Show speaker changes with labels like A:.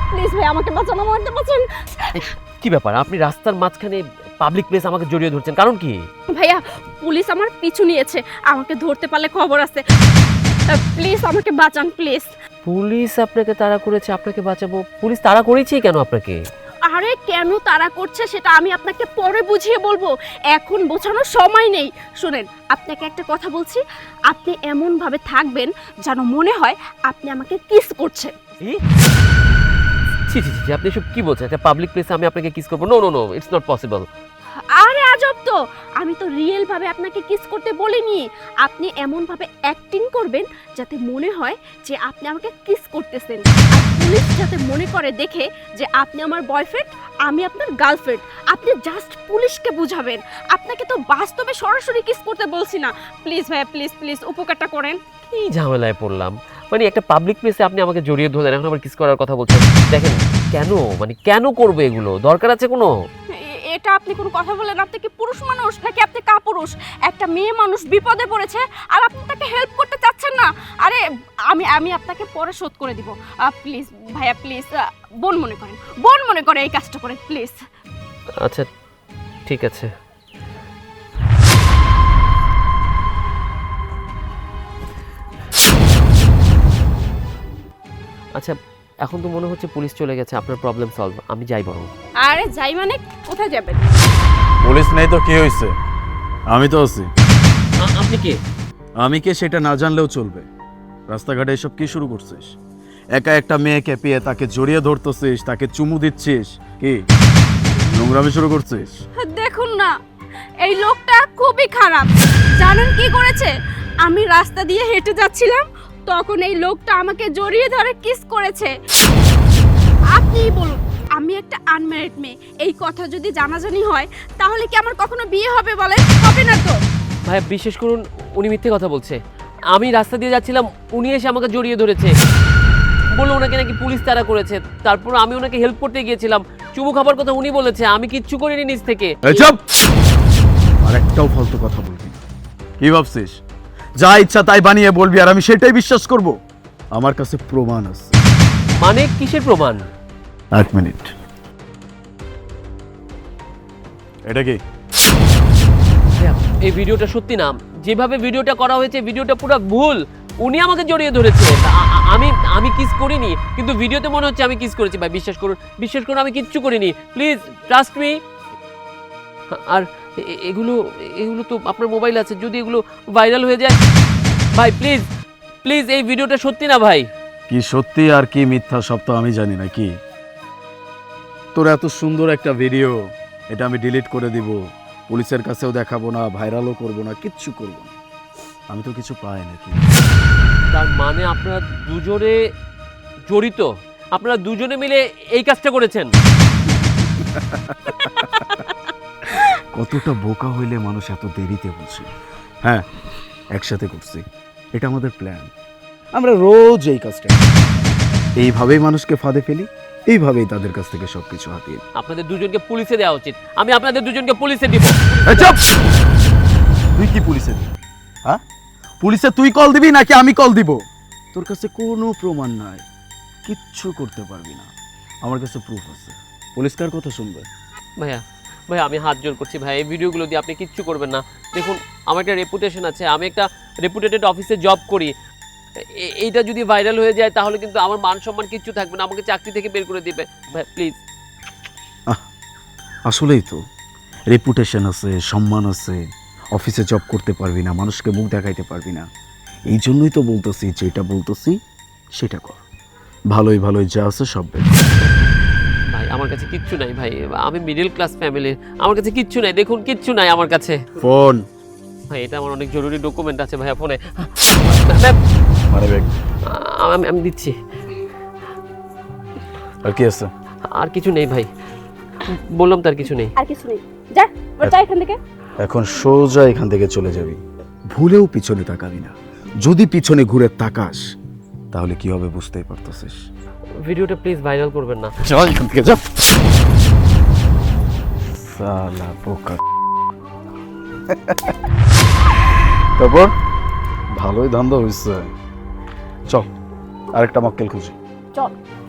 A: Please ভাই আমাকে বাঁচান, আমাকে বাঁচান।
B: কি ব্যাপার, আপনি রাস্তার মাঝখানে পাবলিক প্লেস আমাকে জড়িয়ে ধরছেন, কারণ কি?
A: ভাইয়া পুলিশ আমার পিছু নিয়েছে, আমাকে ধরতে পারলে খবর আছে। প্লিজ আমাকে বাঁচান প্লিজ।
B: পুলিশ আপনাকে তাড়া করেছে, আপনাকে বাঁচাবো? পুলিশ তাড়া করেছে কেন আপনাকে?
A: আরে কেন তারা করছে সেটা আমি আপনাকে পরে বুঝিয়ে বলবো, এখন বোঝানোর সময় নেই। শুনেন, আপনাকে একটা কথা বলছি, আপনি এমন ভাবে থাকবেন যেন মনে হয় আপনি আমাকে কিস করছেন।
B: ছি ছি ছি, আপনি সব কি বলছেন? একটা পাবলিক প্লেসে আমি আপনাকে কিস করবো? No no no, it's not possible.
A: আরে আজব তো, আমি তো রিয়েল ভাবে আপনাকে কিস করতে বলিনি। আপনি এমন ভাবে অ্যাক্টিং করবেন যাতে মনে হয় যে আপনি আমাকে কিস করতেছেন, আর পুলিশ যাতে মনে করে দেখে যে আপনি আমার বয়ফ্রেন্ড, আমি আপনার গার্লফ্রেন্ড। আপনি জাস্ট পুলিশকে বুঝাবেন, আপনাকে তো বাস্তবে সরাসরি কিস করতে বলছি না। প্লিজ ভাইয়া প্লিজ প্লিজ উপকারটা করেন।
B: কি ঝামেলায় পড়লাম! মানে একটা পাবলিক প্লেসে আপনি আমাকে জড়িয়ে ধরলেন, এখন আবার কিস করার কথা বলছেন। দেখেন, কেন মানে কেন করবে এগুলো? দরকার আছে কোনো?
A: এটা আপনি কোনো কথা বলেন? আপনি কি পুরুষ মানুষ নাকি আপনি কাপুরুষ? একটা মেয়ে মানুষ বিপদে পড়েছে আর আপনি তাকে হেল্প করতে চাচ্ছেন না। আরে আমি আমি আপনাকে পরে শোধ করে দিব। প্লিজ ভাইয়া প্লিজ, বোন মনে করেন, বোন মনে করে এই কাজটা করেন প্লিজ।
B: আচ্ছা ঠিক আছে। আচ্ছা, এখন তো মনে হচ্ছে পুলিশ চলে গেছে, আপনার প্রবলেম সলভ। আমি যাই বরং।
A: আরে যাই মানে কোথায় যাবেন?
C: পুলিশ নেই তো কি হয়েছে? আমি তো আছি।
B: আপনি কে?
C: আমি কে সেটা না জানলেও চলবে। রাস্তাঘাটে এসব কি শুরু করছিস? একা একটা মেয়েকে পেয়ে তাকে জড়িয়ে ধরতেছিস, তাকে চুমু দিচ্ছিস, কি নোংরামি শুরু করছিস?
A: দেখুন না, এই লোকটা খুবই খারাপ। জানেন কি করেছে? আমি রাস্তা দিয়ে হেঁটে যাচ্ছিলাম, তখন এই লোকটা আমাকে জড়িয়ে ধরে কিস করেছে। আপনিই বলুন, আমি একটা আনম্যারিড মেয়ে, এই কথা যদি জানাজানি হয় তাহলে কি আমার কখনো বিয়ে হবে বলেন? হবে না তো।
B: ভাই বিশেষ করুন, উনি মিথ্যে কথা বলছে। আমি রাস্তা দিয়ে যাচ্ছিলাম, উনি এসে আমাকে জড়িয়ে ধরেছে, বললো ওনাকে নাকি পুলিশ তাড়া করেছে। তারপর আমি ওনাকে হেল্প করতে গিয়েছিলাম, চুমু খাবার কথা উনি বলেছে, আমি কিচ্ছু করিনি নিজ থেকে।
C: এই চুপ! আর একটাও ফালতু কথা বলবি না। কি ভাবছিস যা ইচ্ছা তাই বানিয়ে বলবি আর আমি সেটাই বিশ্বাস করব? আমার কাছে প্রমাণ আছে।
B: মানে কিসের প্রমাণ?
C: এক মিনিট। এটা কি?
B: এই ভিডিওটা সত্যি না, যেভাবে ভিডিওটা করা হয়েছে ভিডিওটা পুরো ভুল। উনি আমাকে জড়িয়ে ধরেছে, আমি কিস করিনি, কিন্তু ভিডিওতে মনে হচ্ছে আমি কিস করেছি। ভাই বিশ্বাস করুন, বিশ্বাস করুন, আমি কিচ্ছু করিনি, প্লিজ ট্রাস্ট মি। আর এগুলো এগুলো তো আপনার মোবাইল আছে, যদি এগুলো ভাইরাল হয়ে যায়, ভাই প্লিজ প্লিজ, এই ভিডিওটা সত্যি না ভাই।
C: কি সত্যি আর কি মিথ্যা সব তো আমি জানি না। কি তোর এত সুন্দর একটা ভিডিও, এটা আমি ডিলিট করে দিব, পুলিশের কাছেও দেখাবো না, ভাইরালও করব না, কিচ্ছু করব না। আমি তো কিছু পাই নাকি?
B: তার মানে আপনারা দুজনে জড়িত, আপনারা দুজনে মিলে এই কাজটা করেছেন?
C: কতটা বোকা হইলে মানুষ এত দেরিতে বুঝে। হ্যাঁ, একসাথে করছি, এটা আমাদের প্ল্যান। আমরা রোজ এই কাজটা এইভাবেই মানুষকে ফাঁদে ফেলি, এইভাবেই তাদের কাছ থেকে সবকিছু হাতিয়ে।
B: আপনাদের দুজনকে পুলিশে দেওয়া উচিত, আমি আপনাদের দুজনকে পুলিশে দিব।
C: এই চুপ! তুই কি পুলিশে দিবি? হ্যাঁ, পুলিশে তুই কল দিবি নাকি আমি কল দিব? তোর কাছে কোনো প্রমাণ নাই, কিচ্ছু করতে পারবি না। আমার কাছে প্রুফ আছে। পুলিশ কার কথা শুনবে?
B: ভাইয়া ভাইয়া আমি হাত জোর করছি ভাই, এই ভিডিওগুলো দিয়ে আপনি কিচ্ছু করবেন না। দেখুন, আমার একটা রেপুটেশন আছে, আমি একটা রেপুটেটেড অফিসে জব করি। এইটা যদি ভাইরাল হয়ে যায় তাহলে কিন্তু আমার মান সম্মান কিচ্ছু থাকবে না, আমাকে চাকরি থেকে বের করে দিবে। ভাই প্লিজ।
C: আসলেই তো রেপুটেশন আছে, সম্মান আছে, অফিসে জব করতে পারবি না, মানুষকে মুখ দেখাইতে পারবি না। এই জন্যই তো বলতেছি, যেটা বলতেছি সেটা কর। ভালোই ভালোই যা আছে সব বের কর।
B: ভাই আমার কাছে কিচ্ছু নাই ভাই, আমি মিডল ক্লাস ফ্যামিলির, আমার কাছে কিচ্ছু নাই, দেখুন কিচ্ছু নাই আমার কাছে।
C: ফোন
B: ভাই এটা আমার অনেক জরুরি ডকুমেন্ট আছে ভাইয়া ফোনে। আমি দিচ্ছি।
C: আর কি আছে?
B: আর কিছু নেই ভাই, বললাম তার কিছু নেই।
A: আর কিছু নেই, যা যা এখান থেকে।
C: এখন সোজা এখান থেকে চলে যাবি, ভুলেও পিছনে তাকাবি না। যদি পিছনে ঘুরে তাকাস তাহলে কি হবে বুঝতেই পারতেছিস।
B: ভিডিওটা প্লিজ ভাইরাল করবেন না।
C: চল এখান থেকে, যা। সালা বোকা। তারপর ভালোই ধান্দা হয়েছে। চল আরেকটা মক্কেল খুঁজি।
A: চল।